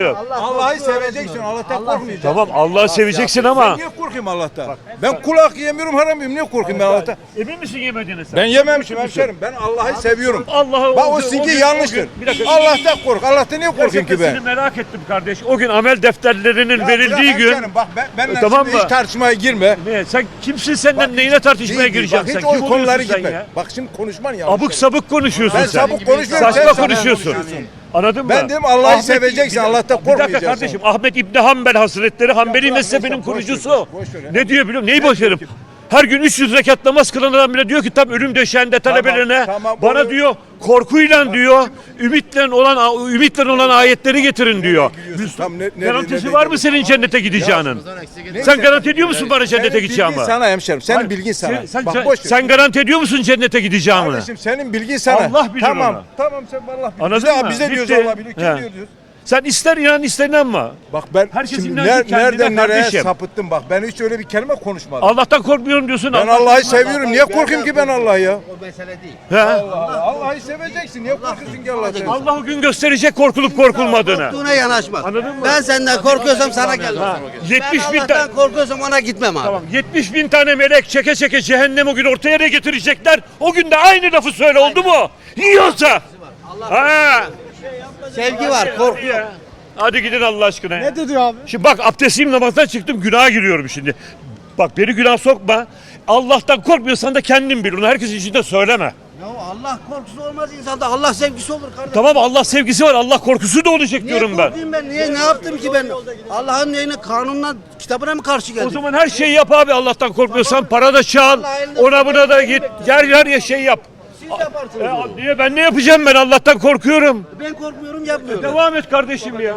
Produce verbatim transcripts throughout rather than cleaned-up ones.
Allah'ı seveceksin, Allah'tan korkmayacaksın. Tamam, Allah'ı seveceksin ama. Ben niye korkayım Allah'tan? Ben kulak yemiyorum, haram yemiyorum. Niye korkayım ben Allah'tan? Emin misin yemediğine sen? Ben yememişim hemşerim. Ben Allah'ı seviyorum. Allah'ı Bak o sizinki yanlıştır. Allah'tan kork. Allah'tan niye korkayım ki ben? merak ettim kardeş. O gün amel defterlerinin Ya verildiği bırak gün. hemşerim, bak ben, benimle Tamam şimdi mı? hiç tartışmaya girme. Ne, sen kimsin, senden Bak, neyine tartışmaya Değil, gireceksin bak, sen? hiç o Kim konuları oluyorsun sen gitme. ya? Bak şimdi konuşman ya. Abuk sabuk konuşuyorsun Ben sen. sabuk konuşmuyorum. Saçma sen konuşuyorsun. Anladın mı? Ben dedim Allah'ı Ahmet- seveceksin, bir- Allah'tan Bir dakika korkmayacaksın. kardeşim, Ahmet İbni Hanbel Hazretleri, Hanbeli bırak, mezhebinin boş ver, kurucusu. boş ver ya. Ne diyor biliyor musun? Neyi boş verim? Her gün üç yüz rekat namaz kılan adam bile diyor ki tam ölüm döşeğinde talebelerine tamam, bana onu- diyor korkuyla diyor ümitle olan ümitle olan ayetleri getirin diyor. Tam ne- ne- Garantisi ne- var ne- mı senin cennete gideceğinin? Neyse. Sen garanti ediyor musun bana cennete Senin gideceğimi? bilgin sana hemşerim. Senin Hayır, bilgin sana. Sen, sen, Bak sen- boş ver. sen garanti ediyor musun cennete gideceğimi? Kardeşim senin bilgin sana. Allah bilir tamam, onu. Tamam sen Allah bilir. Anladın Biz de- mı? Biz de diyoruz Bitti. Allah bilir. Kim He. diyor diyoruz. Sen ister inan ister inanma. Bak ben Herkes şimdi inancı ner- kendine nereden nereye kardeşim. sapıttım bak. Ben hiç öyle bir kelime konuşmadım. Allah'tan korkmuyorum diyorsun. Ben Allah'ı seviyorum. Niye korkayım ki ben Allah'ı ya? O mesele değil. He? Allah, Allah'ı seveceksin. Niye korkuyorsun ki Allah'ı? Allah o gün gösterecek korkulup korkulmadığını. Korktuğuna yanaşma. Anladın mı? Ben senden korkuyorsam sana gel. yetmiş Ben bin tane Allah'tan korkuyorsam ona gitmem abi. Tamam, yetmiş bin tane melek çeke çeke cehennem o gün ortaya ne getirecekler? O gün de aynı lafı söyle, oldu mu? Yiyorsa. Ha. Sevgi var, korku yok. Hadi gidin Allah aşkına. ya. Ne dedi abi? Şimdi bak abdestliyim, namazdan çıktım, günaha giriyorum şimdi. Bak beni günah sokma. Allah'tan korkmuyorsan da kendin bil. Onu herkesin içinde söyleme. Ya Allah korkusu olmaz insanda. Allah sevgisi olur kardeşim. Tamam, Allah sevgisi var. Allah korkusu da olacak Niye diyorum ben. korkayım ben? Niye ne yaptım ki ben? Allah'ın neyine, kanununa, kitabına mı karşı geldim? O zaman her şeyi yap abi, Allah'tan korkmuyorsan. Para da çal. Allah elinde Ona buna da git. Gel her şey yap. Siz yaparsınız. Ya, niye ben ne yapacağım, ben Allah'tan korkuyorum. Ben korkmuyorum, yapmıyorum. Devam et kardeşim ya.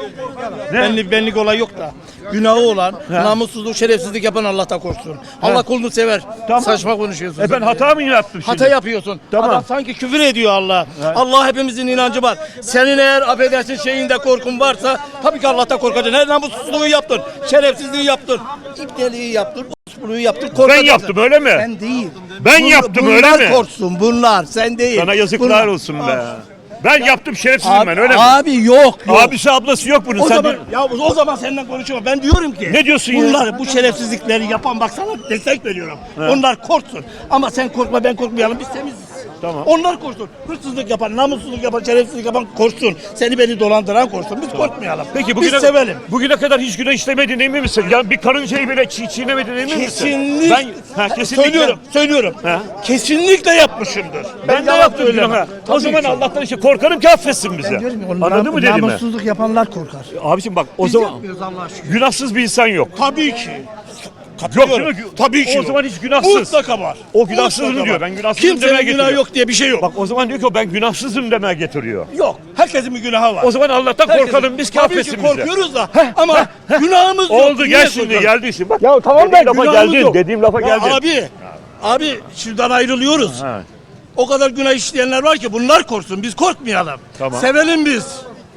Benlik benlik olay yok da. Günahı olan, namussuzluk, şerefsizlik yapan Allah'tan korksun. Allah kulunu sever. Tamam. Saçma konuşuyorsun. E ben sen. hata mı yaptım şimdi? Hata yapıyorsun. Tamam. Adam sanki küfür ediyor Allah. Allah hepimizin inancı var. Senin eğer affedersin şeyinde korkun varsa tabii ki Allah'tan korkacaksın. Her namussuzluğu yaptın. Şerefsizliği yaptın. İpteliği yaptın. Osbuluğu yaptın. Ben korkacaksın. yaptım öyle mi? Sen değil. Ben Bun- yaptım, bunlar öyle mi? Bunlar korksun. Bunlar. Sen değil. Sana yazıklar Bunlar. olsun be. Ben yaptım, şerefsizim Abi, ben öyle mi? abi yok yok. Abisi ablası yok bunun. O Sen zaman de- ya o zaman senden konuşuyorum. Ben diyorum ki Ne diyorsun ya? bunlar bu şerefsizlikleri yapan bak sana destek veriyorum. Onlar korksun. Ama sen korkma ben korkmayalım. Biz temiziz. Tamam. Onlar korksun. Hırsızlık yapan, namussuzluk yapan, şerefsizlik yapan korksun. Seni beni dolandıran korksun. Biz korkmayalım. Peki biz bugüne, sevelim. bugüne kadar hiç günah işlemedin emin misin? Yani bir karıncayı bile çiğ çiğnemedin emin misin? Kesinlikle. Ben, ha, kesinlikle. Söylüyorum, söylüyorum. Ha? Kesinlikle yapmışımdır. Ben de yalan yaptım söylemem. günahı. O Tabii zaman ki. Allah'tan işte korkarım ki affetsin bizi. Diyorum ya, onlar Anladın mı dediğimi? Namussuzluk yapanlar korkar. Abiciğim bak o Biz zaman yapmıyoruz Allah'a şükür. günahsız bir insan yok. Tabii ki. Yok Katılıyorum. değil mi? Tabii ki O yok. zaman hiç günahsız. Mutlaka var. O günahsızım Mutlaka diyor. var. Ben günahsızım demeye Kimsenin günahı getiriyor. yok diye bir şey yok. Bak o zaman diyor ki o ben günahsızım demeye getiriyor. Yok. Herkesin bir günahı var. O zaman Allah'tan Herkesin. korkalım biz ki Tabii ki affetsin bizi. korkuyoruz da ama günahımız yok. Oldu Niye gel şimdi korkalım? geldi şimdi. Bak, Ya tamam da dediğim lafa günahımız geldin. yok. Dediğim lafa Ya geldin. Abi, abi şuradan ayrılıyoruz. Ha. O kadar günah işleyenler var ki bunlar korksun. Biz korkmayalım. Tamam. Sevelim biz.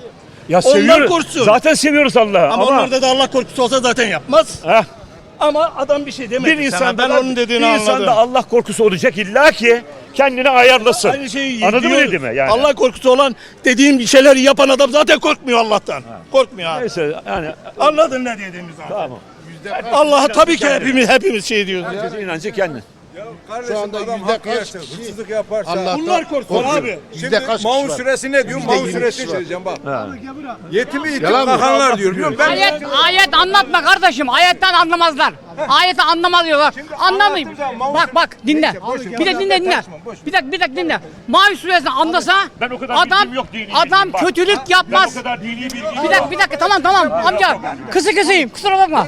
Ya Onlar seviyoruz. korksun. Zaten seviyoruz Allah'ı. Ama, Ama, onlarda da Allah korkusu olsa zaten yapmaz. Heh, Ama adam bir şey demedi bir sana. insanda Ben onun dediğini bir anladım. insanda Allah korkusu olacak illa ki kendini ayarlasın. Aynı şeyi Anladın mı diyoruz. dediğimi yani? Allah korkusu olan dediğim şeyleri yapan adam zaten korkmuyor Allah'tan. Korkmuyor abi. Neyse yani Anladın ne dediğimizi abi. tamam. Allah'a tabii ki hepimiz hepimiz şey diyoruz ya. Herkesin inancı kendi. Kardeşim anda adam yüzde hak kaç yerse, kişi hırsızlık yaparsa. Allah- Bunlar korksun Korkuyor. abi. Şimdi Yüzde kaç Maun kişi var? suresi ne diyor? Yüzde Maun yirmi suresi kişi var. söyleyeceğim bak. Yetimi yetim Yalan mı? bakanlar diyor. Biliyor musun? Ben Ayet, ayet anlatma kardeşim. Ayetten anlamazlar. Ayeti anlamazlar. Anlamayayım. anlattığım zaman Bak bak dinle. Neyse, boş ver. Bir dakika dinle dinle. Karışma, boş ver. Bir dakika bir dakika dinle. Mavi suresini anlasa Ben o kadar adam bilgim yok, dini bilgim adam var. kötülük Ben yapmaz. o kadar dini bilgim Bir dakika bir dakika tamam tamam amca. Kısı kısayım kusura bakma.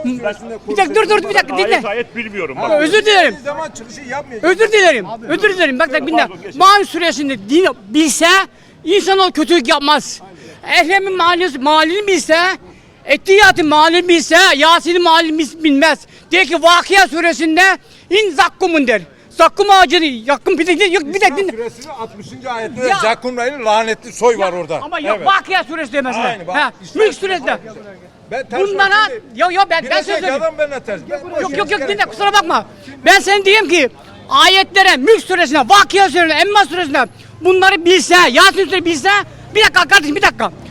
Bir dakika dur dur bir dakika dinle. Ayet ayet bilmiyorum. Bak. Özür dilerim. bir zaman çıkışı yapmayacak. Özür dilerim. Özür dilerim. Bak bak dinle. Maun suresinde din bilse insan o kötülük yapmaz. Ehremin malini, malini bilse, Ettiyat'ın malini bilse, Yasin'in malini bilmez. De ki Vakıa suresinde in zakkumun der. Zakkum ağacını yakın bir dakika yok bir dakika dinle. Suresinin altmışıncı ayetinde Ya. Zakkum Ray'ın lanetli soy var orada. Ama yok Evet. Vakıa suresi demesine. Aynı bak. Ha, İşte- Mülk suresinde. Ben ters Bunlara bakıyorum. yok yok ben ben Biraz söz önce söyleyeyim. adam benimle ters. Ben- Yok yok yok dinle kusura bakma. Ben sana diyeyim ki ayetlere Mülk suresine, Vakıa suresine, Emma suresine bunları bilse, Yasin suresini bilse bir dakika kardeşim bir dakika.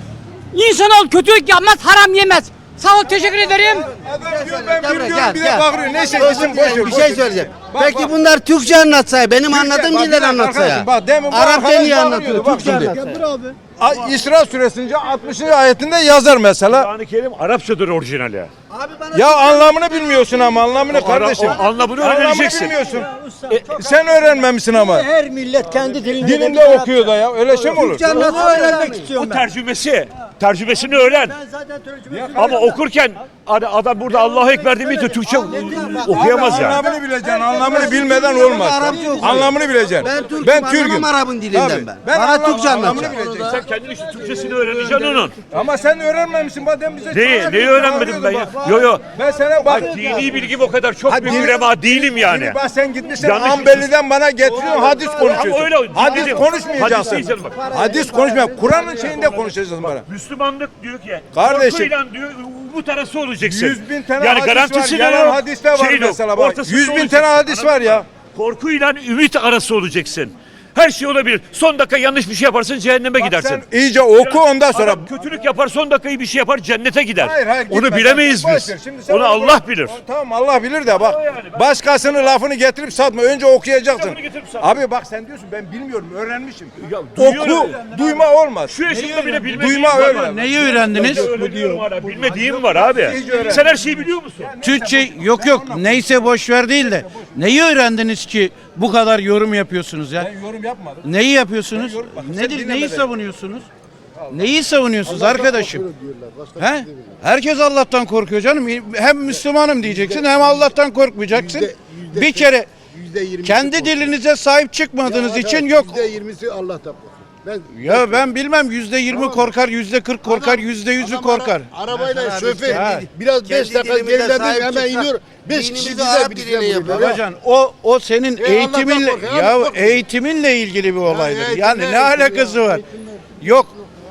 İnsanoğlu kötülük yapmaz, haram yemez. Sağ ol, teşekkür ederim. Adam diyor ben Gel, bilmiyorum gel, bir de gel. bağırıyor. Neyse Özür gitsin boş dilerim, ver. bir boş şey ver. söyleyeceğim. Bak, Peki bak. bunlar Türkçe anlatsa, benim Türkçe- anladığım bak, dilden bir dakika anlatsa ya. arkadaşım, bak, demin bu Arapça arkadaş niye bağırıyordu, anlatıyor? bak Türkçe şimdi. anlatsa. A- İsra suresinde altmışıncı ayetinde yazar mesela. Kur'an-ı Kerim Arapçadır orijinali. Abi bana Ya anlamını bilmiyorsun ama anlamını kardeşim. o anlamını Anlamını öğreneceksin. bilmiyorsun. E, sen öğrenmemişsin ama. Her millet kendi dilinde. Dilinde okuyor da ya. Öyle şey mi olur? Türkçe anlatsa öğrenmek istiyorum O tercümesi, tercümesini öğren. Zaten tercüme Ama okurken ad- adam burada Allahu Ekber demeyince Türkçe okuyamaz yani. Anlamını bileceksin. Anlamını bilmeden olmaz. Arapça okuyor. Anlamını bileceksin. Ben Türk'üm, Ben anlamam Türk'üm. Arap'ın dilinden Tabii. ben. Ben Bana anlam- Türkçe anlamını anlatacak. bileceksin. Sen kendin işte Türkçesini öğreneceksin onun. Ama sen öğrenmemişsin. Madem bize Neyi, çağırıyordun, neyi öğrenmedim ben ya? bak. Yo yo. Ben sana bak. Bak dini bilgim o kadar çok Ha, bir dini- ürema değilim yani. Bak sen gitmişsin Yanlış- Ambeli'den bana getiriyorsun hadis konuşuyorsun. Ama öyle, hadis dinledim. konuşmayacaksın. Hadis diyeceğim bak. Hadis konuşmayacaksın. Kur'an'ın şeyinde konuşacaksın bana. Müslümanlık diyor ki Kardeşim. korkuyla diyor umut arası olacaksın. Yüz bin tane yani hadis garantisi var. de Yalan yok, hadisler var şey yok. mesela bak. Ortasında Yüz bin olacaksın. tane hadis var ya. Korkuyla ümit arası olacaksın. Her şey olabilir. Son dakika yanlış bir şey yaparsın cehenneme gidersin. Sen iyice oku ondan sonra. Adam kötülük yapar son dakikayı bir şey yapar cennete gider. Hayır, hayır, Onu gitme. bilemeyiz Boş biz. ver. Şimdi sen Onu onu Allah bırak. bilir. Tamam Allah bilir de bak. O yani, ben- Başkasının lafını getirip satma. Önce okuyacaksın. Lafını getirip satma. Abi bak sen diyorsun ben bilmiyorum öğrenmişim. Ya, duyuyorum. Oku. Duyma olmaz. Şu yaşımda bile bilmediğim Duyma var. öyle. Neyi öğrendiniz? Öğreniyorum hala. Bilmediğim var abi. Sen her şeyi biliyor musun? Türkçe yok yok neyse boş ver değil de neyi öğrendiniz ki bu kadar yorum yapıyorsunuz ya? Ben yorum yapmadım. Neyi yapıyorsunuz? yorum- bak, sen Nedir? dinleme Neyi beni. savunuyorsunuz? Neyi savunuyorsunuz arkadaşım? He? Herkes Allah'tan korkuyor canım. Hem Müslümanım diyeceksin hem Allah'tan korkmayacaksın. Bir kere kendi dilinize sahip çıkmadığınız için yok. yüzde yirmisi Allah'tan korkar. Ben Ya ben bilmem yüzde yirmi korkar, yüzde kırk korkar, yüzde yüzü Adam korkar. ara- arabayla Hasan abi, şoför ha. biraz beş Kendi dakika dilimize geriledim sahip hemen çıksak, iniyor. Beş dinimizi kişi Arap bize diliyle birlikte vuruyor. Babacan o o senin E, Allah'tan eğitiminle kork, ya, ya korkma. eğitiminle ilgili bir olaydır. eğitimle Yani ne ilgili alakası ya, var? Yok.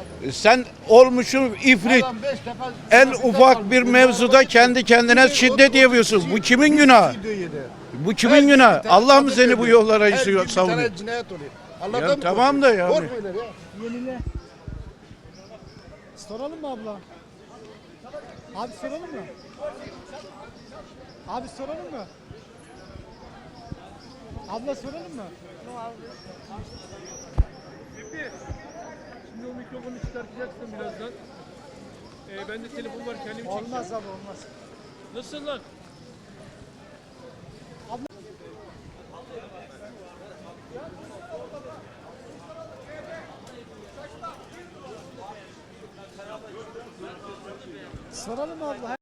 Sen olmuşsun ifrit. Adam beş defa- En ufak bir mevzuda kendi kendine şiddet yapıyorsun. Bu kimin günahı? Bu kimin günahı? Allah mı seni bu yollara Her gün bir savunuyor? tane cinayet oluyor. Allah'tan Ya mı tamam da ya. korkmuyorlar ya. Soralım mı abla? Abi soralım mı? Abi soralım mı? Abla soralım mı? Şimdi o mikrofonu çıkartacaksın birazdan. Ee, ben de telefon var kendimi çekeceğim. Olmaz abi olmaz. Nasıl lan? Soralım mı abla?